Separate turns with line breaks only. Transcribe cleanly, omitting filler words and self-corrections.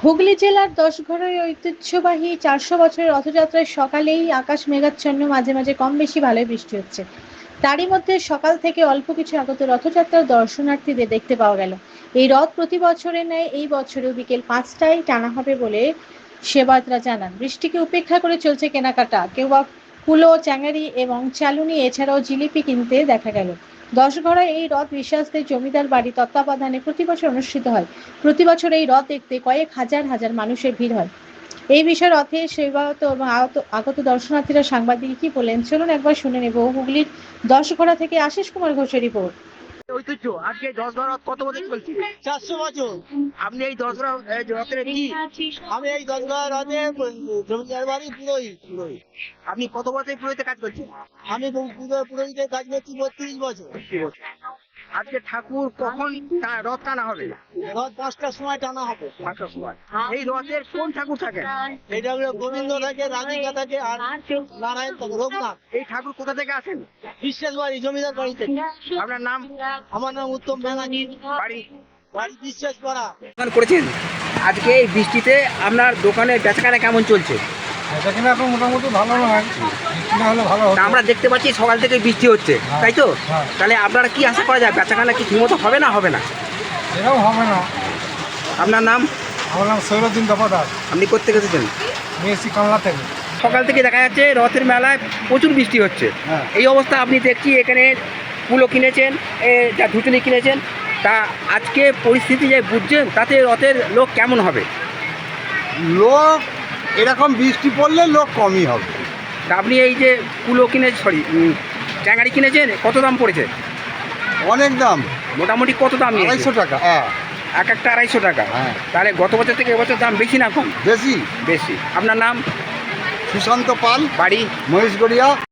হুগলি জেলার দশঘরায় ঐতিহ্যবাহী ৪০০ বছরের রথযাত্রায় সকালেই আকাশ মেঘাচ্ছন্ন, মাঝে মাঝে কম বেশি ভালোই বৃষ্টি হচ্ছে। তারই মধ্যে সকাল থেকে অল্প কিছু আগত রথযাত্রার দর্শনার্থীদের দেখতে পাওয়া গেল। এই রথ প্রতি বছরের ন্যায় এই বছরেও বিকেল ৫টায় টানা হবে বলে সেবায়তরা জানান। বৃষ্টিকে উপেক্ষা করে চলছে কেনাকাটা, কেউ বা কুলো, চ্যাঙারি এবং চালুনি, এছাড়াও জিলিপি কিনতে দেখা গেল। দশঘরায় এই রথ বিশ্বাসদের জমিদার বাড়ি তত্ত্বাবধানে প্রতি বছর অনুষ্ঠিত হয়। প্রতি বছর এই রথ দেখতে কয়েক হাজার হাজার মানুষের ভিড় হয়। এই বিষয়ে রথের সেবায়ত এবং আগত দর্শনার্থীরা সাংবাদিক কি বলেন, চলুন একবার শুনে নেব। হুগলির দশঘরা থেকে আশিস কুমার ঘোষের রিপোর্ট।
ঐতিহ্য আজকে এই ১০ বার কত বছর চলছে?
400 বছর।
আপনি এই ১০ বার রথের কি
আমি এই 10 বার রাতে জমিদার বাড়ি পুরোহিত।
আপনি কত বছর পুরোহিতে কাজ করছেন?
আমি পুরোহিতের কাজ করছি 32 বছর।
আজকে ঠাকুর কখন রথ টানা হবে?
রাত 5টার সময় টানা হবে।
৫টার সময়। এই রথের কোন ঠাকুর থাকেন?
এটা হলো গোবিন্দ থাকে, রাধিকা থাকে, আর নারায়ণ থাকে, রঘুনাথ।
এই ঠাকুর কোথা থেকে আসেন?
বিশ্বাস বাড়ি, জমিদার বাড়ি থেকে।
আপনার নাম?
আমার নাম উত্তম ব্যানার্জি। বাড়ি বিশ্বাস পাড়া।
দোকান করেছেন, আজকে এই বৃষ্টিতে আপনার দোকানে বেচাকেনা কেমন চলছে?
বেচাকেনা এখন মোটামুটি ভালো নয়, বৃষ্টি না হলে ভালো হতো।
তা আমরা দেখতে পাচ্ছি সকাল থেকে বৃষ্টি হচ্ছে, তাই তো?
হ্যাঁ।
তাহলে আপনারা কি আশা করা যায়, বেচাকেনা কি ঠিকমতো হবে না হবে না?
এরকম হবে না।
আপনার নাম?
আমার নাম সৈরুদ্দিন দফাদার,
আপনি কোত্থেকে এসেছেন?
আমি এসেছি কালনা থেকে।
সকাল থেকে দেখা যাচ্ছে রথের মেলায় প্রচুর বৃষ্টি হচ্ছে।
হ্যাঁ।
এই অবস্থা আপনি দেখছি এখানে কুলো কিনেছেন, যা ধুচুনি কিনেছেন, তা আজকে পরিস্থিতি যে বুঝছেন তাতে রথের লোক কেমন হবে?
লোক এরকম বৃষ্টি পড়লে লোক কমই হবে।
তা আপনি এই যে কুলো ট্যাঙ্গারি কিনেছেন, কত দাম পড়েছে?
অনেক দাম,
মোটামুটি কত দাম?
250 টাকা। হ্যাঁ,
এক একটা 250 টাকা।
হ্যাঁ।
তাহলে গত বছর থেকে এবছর দাম বেশি না কম?
বেশি।
বেশি। আপনার নাম?
সুশান্ত পাল,
বাড়ি?
মহেশগড়িয়া।